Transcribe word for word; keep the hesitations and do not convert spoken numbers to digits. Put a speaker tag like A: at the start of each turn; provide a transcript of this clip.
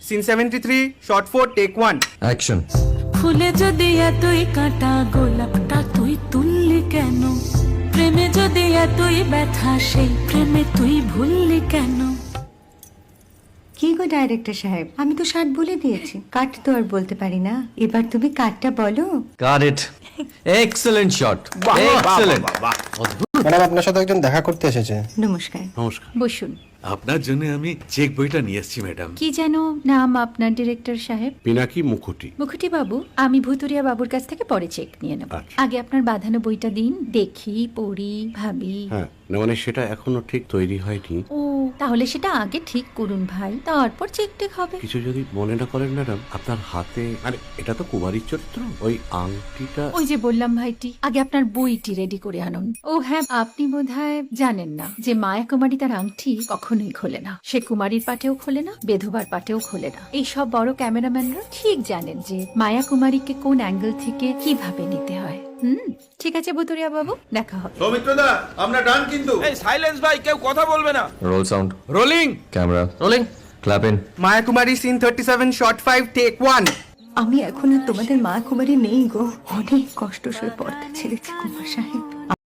A: Scene seventy three shot four take one.
B: Action.
C: ফুলে যদি এতই কাঁটা গোলাপটা তুই তুললি কেন? প্রেমে যদি এতই ব্যথা সেই প্রেমে তুই ভুললি কেন?
D: কি গো ডাইরেক্টর সাহেব, আমি তো ষাট বলে দিয়েছি, কাট তো আর বলতে পারি না, এবার তুমি কাটটা বলো।
B: Got it. Excellent shot, excellent.
E: Madam আপনার সাথে একজন দেখা করতে এসেছে।
D: নমস্কার।
F: নমস্কার।
G: বসুন।
F: আপনার জন্য আমি চেক বইটা নিয়ে এসেছি ম্যাডাম।
G: কি যেন নাম আপনার ডিরেক্টর সাহেব?
F: পিনাকি মুখোটি।
G: মুখুটি বাবু, আমি ভুতুরিয়া বাবুর কাছ থেকে পরে চেক নিয়ে নেব।
F: আচ্ছা।
G: আগে আপনার বাঁধানো বইটা দিন, দেখি, পড়ি, ভাবি।
F: হ্যাঁ, না মানে সেটা এখনো ঠিক তৈরি হয়নি।
G: ও, তাহলে সেটা আগে ঠিক করুন ভাই, তারপর চেক টেক হবে।
F: কিছু যদি মনে না করেন ম্যাডাম, আপনার হাতে, আরে এটা তো কুমারীর চরিত্র, ওই আংটিটা।
G: ওই যে বললাম ভাইটি, আগে আপনার বইটি রেডি করে আনুন। ও হ্যাঁ, আপনি বোধহয় জানেন না যে মায়া কুমারী তার আংটি কখনোই খোলে না। সে কুমারীর পাটেও খোলে না, বেধবার পাটেও খোলে না। এই সব বড় ক্যামেরাম্যানরা ঠিক জানেন যে মায়া কুমারীকে কোন অ্যাঙ্গেল থেকে কিভাবে নিতে হয়। হুম, ঠিক আছে বুতুরিয়া বাবু, দেখা হবে।
H: সৌমিত্রদা আমরা ডান কিন্তু। এই সাইলেন্স ভাই, কেউ কথা বলবে না।
B: Roll sound.
A: Rolling.
B: Camera rolling. Clap in.
A: Maya Kumari scene thirty seven shot five take one.
D: আমি এখন আর তোমাদের মা কুমারী নেই গো, অনেক কষ্ট সয়ে পর্দা ছেড়েছি কুমার সাহেব।